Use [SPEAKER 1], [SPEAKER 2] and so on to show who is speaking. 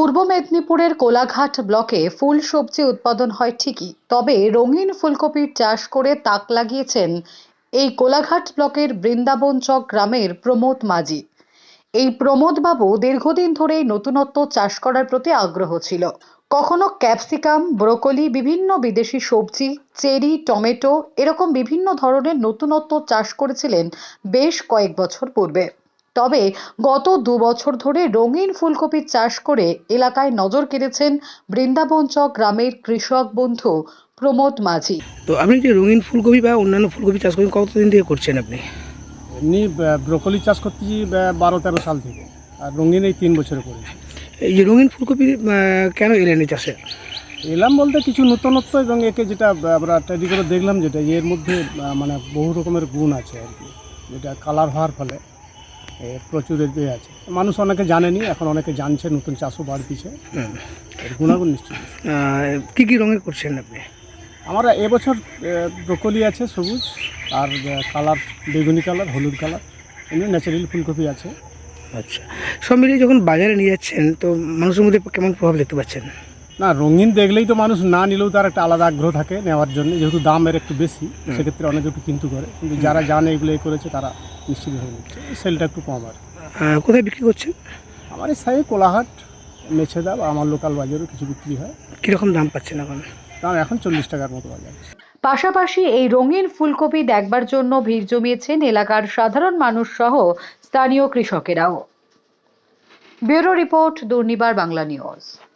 [SPEAKER 1] পূর্ব মেদিনীপুরের কোলাঘাট ব্লকে ফুল সবজি উৎপাদন হয় ঠিকই, তবে রঙিন ফুলকপির চাষ করে তাক লাগিয়েছেন এই কোলাঘাট ব্লকের বৃন্দাবন চক গ্রামের প্রমোদ মাঝি। এই প্রমোদ বাবু দীর্ঘদিন ধরেই নতুনত্ব চাষ করার প্রতি আগ্রহ ছিল। কখনো ক্যাপসিকাম, ব্রোকলি, বিভিন্ন বিদেশি সবজি, চেরি, টমেটো এরকম বিভিন্ন ধরনের নতুনত্ব চাষ করেছিলেন বেশ কয়েক বছর পূর্বে। তবে গত ২ বছর ধরে রঙিন ফুলকপির চাষ করে এলাকায় নজর কেড়েছেন বৃন্দাবন চক গ্রামের কৃষক বন্ধু প্রমোদ মাঝি।
[SPEAKER 2] তো আপনি যে রঙিন ফুলকপি বা অন্যান্য ফুলকপি চাষ করেন কতদিন থেকে করছেন আপনি?
[SPEAKER 3] এমনি ব্রোকলি চাষ করতেছি ১২-১৩ সাল থেকে, আর রঙিন এই ৩ বছরে করেছি।
[SPEAKER 2] এই যে রঙিন ফুলকপি কেন এলেন এই চাষে?
[SPEAKER 3] এলাম বলতে কিছু নতুনত্ব, এবং একে যেটা আমরা তৈরি করে দেখলাম, যেটা এর মধ্যে মানে বহু রকমের গুণ আছে আর কি, যেটা কালার হওয়ার ফলে প্রচুর এ আছে। মানুষ অনেকে জানেনি, এখন অনেকে জানছে, নতুন চাষও বাড়তিছে, এর গুণাগুণ নিশ্চয়ই।
[SPEAKER 2] কী কী রঙের করছেন আপনি?
[SPEAKER 3] আমার এবছর ব্রোকলি আছে সবুজ, আর কালার বেগুনি কালার, হলুদ কালার, এমনি ন্যাচারাল ফুলকপি আছে।
[SPEAKER 2] আচ্ছা, সব মিলিয়ে যখন বাজারে নিয়ে যাচ্ছেন তো মানুষের মধ্যে কেমন প্রভাব দেখতে পাচ্ছেন?
[SPEAKER 3] না, রঙিন দেখলেই তো মানুষ না নিলেও তার একটা আলাদা আগ্রহ থাকে নেওয়ার জন্য, যেহেতু দামের একটু বেশি, সেক্ষেত্রে অনেকে একটু কিন্তু করে, কিন্তু যারা জানে এগুলো করেছে তারা নিশ্চিতভাবে নিচ্ছে, সেলটা একটু কম আর।
[SPEAKER 2] কোথায় বিক্রি করছেন?
[SPEAKER 3] আমার এই সাইডে কোলাহাট, মেছেদা বা আমার লোকাল বাজারেও কিছু বিক্রি হয়।
[SPEAKER 2] কীরকম দাম পাচ্ছেন এখন?
[SPEAKER 3] দাম এখন 40 টাকার মতো বাজার।
[SPEAKER 1] পাশাপাশি এই রঙিন ফুলকপি দেখবার জন্য ভিড় জমিয়েছেন এলাকার সাধারণ মানুষ সহ স্থানীয় কৃষকেরাও। Bureau report, Durnibar Bangla news.